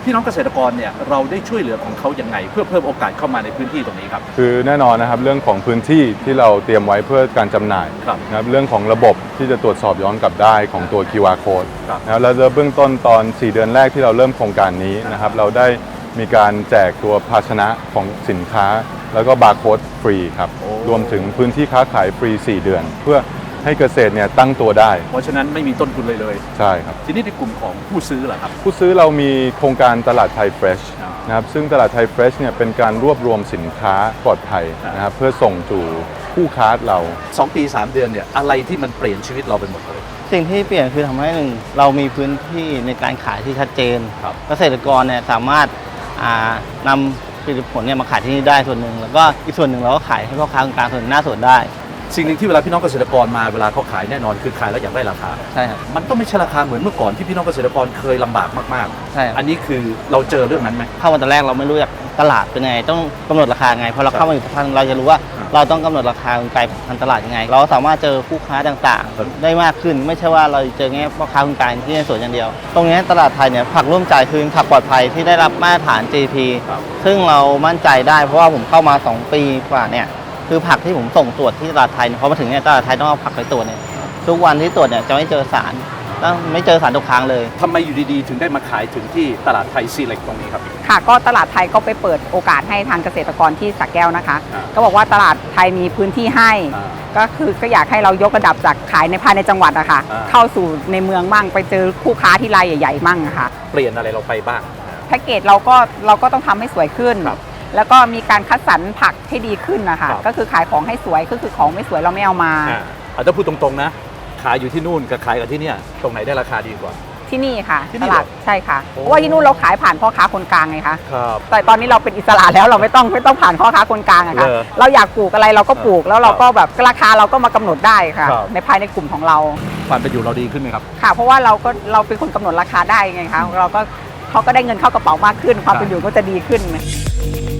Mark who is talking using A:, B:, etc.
A: พี่น้องเกษตรกรเนี่ยเราได้ช่วยเหลือของเขายังไงเพื่อเพิ่มโอกาสเข้ามาในพื้นที่ตรงนี้ครับ
B: คือแน่นอนนะครับเรื่องของพื้นที่ที่เราเตรียมไว้เพื่อการจำหน่ายนะครับเรื่องของระบบที่จะตรวจสอบย้อนกลับได้ของตัว QR code นะแล้วเบื้องต้นตอน 4 เดือนแรกที่เราเริ่มโครงการนี้นะครับเราได้มีการแจกตัวภาชนะของสินค้าแล้วก็บาร์โค้ดฟรีครับรวมถึงพื้นที่ค้าขายฟรี 4 เดือนเพื่อให้เกษตรเนี่ยตั้งตัวได้
A: เพราะฉะนั้นไม่มีต้นทุนเลย
B: ใช่ครับ
A: ทีนี้ในกลุ่มของผู้ซื้อล่ะครับ
B: ผู้ซื้อเรามีโครงการตลาดไทยเฟรชนะครับซึ่งตลาดไทยเฟรชเนี่ยเป็นการรวบรวมสินค้าปลอดภัยนะครับเพื่อส่งสู่ผู้ค้าเรา
A: 2 ปี 3 เดือนเนี่ยอะไรที่มันเปลี่ยนชีวิตเราไปหมดเลย
C: สิ่งที่เปลี่ยนคือทำให้เรามีพื้นที่ในการขายที่ชัดเจนเกษตรกรเนี่ยสามารถนำผลิตผลเนี่ยมาขายที่นี่ได้ส่วนหนึ่งแล้วก็อีกส่วนหนึ่งเราก็ขายให้พ่อค้าคนกลางส่วนหน้าสวนได้
A: สิ่งหนึ่งที่เวลาพี่น้องเกษตรกรมาเวลาเขาขายแน่นอนคือขายแล้วอยากได้ราคา
C: ใช่ครับ
A: มันต้องไม่ใช่ราคาเหมือนเมื่อก่อนที่พี่น้องเกษตรกรเคยลำบากมาก
C: ๆใช่
A: อันนี้คือเราเจอเรื่องนั้นไหม
C: เข้ามาตอนแรกเราไม่รู้จักตลาดเป็นไงต้องกำหนดราคาไงพอเราเข้ามาอยู่สักพักเราจะรู้ว่าเราต้องกำหนดราคาไกลทางตลาดยังไงเราสามารถเจอผู้ค้าต่างๆได้มากขึ้นไม่ใช่ว่าเราเจอแค่พ่อค้าคนกลางที่ในสวนอย่างเดียวตรงนี้ตลาดไทยเนี่ยผักร่วมใจคือผักปลอดภัยที่ได้รับมาตรฐาน GP ซึ่งเรามั่นใจได้เพราะว่าผมเข้ามา2 ปีกว่าเนี่ยคือผักที่ผมส่งตรวจที่ตลาดไทยพอมาถึงเนี่ยตลาดไทยต้องเอาผักไปตรวจเนี่ยทุกวันที่ตรวจเนี่ยจะไม่เจอสารต้องไม่เจอสารตกค้างเลย
A: ทำไมอยู่ดีๆถึงได้มาขายถึงที่ตลาดไทยซีเล็กตรงนี้ครับ
D: ค่ะก็ตลาดไทยก็ไปเปิดโอกาสให้ทางเกษตรกรที่สระแก้วนะคะก็บอกว่าตลาดไทยมีพื้นที่ให้ก็คือก็อยากให้เรายกระดับจากขายในภายในจังหวัดอะค่ะเข้าสู่ในเมืองมั่งไปเจอคู่ค้าที่รายใหญ่ๆมั่งค่ะ
A: เปลี่ยนอะไรเราไปบ้าง
D: แพ็กเกจเราก็ต้องทำให้สวยขึ้นแล้วก็มีการคัดสรรผักให้ดีขึ้นนะคะก็คือขายของให้สวยก็คือของไม่สวยเราไม่เอามา
A: ถ้าพูดตรงๆนะขายอยู่ที่นู่นกับขายกับที่นี่ตรงไหนได้ราคาดีกว่า
D: ที่นี่ค่ะตลาดใช่ค่ะเพราะว่าที่นู่นเราขายผ่านพ่อค้าคนกลางไงคะแต่ตอนนี้เราเป็นอิสระแล้วเราไม่ต้องผ่านพ่อค้าคนกลางอะค่ะเราอยากปลูกอะไรเราก็ปลูกแล้วเราก็แบบราคาเราก็มากำหนดได้ค่ะในภายในกลุ่มของเรา
A: ความเป็นอยู่เราดีขึ้นไหมครับ
D: ค่ะเพราะว่าเราเป็นคนกำหนดราคาได้ไงคะเขาก็ได้เงินเข้ากระเป๋ามากขึ้นความเป็นอยู่ก็จะดีขึ้น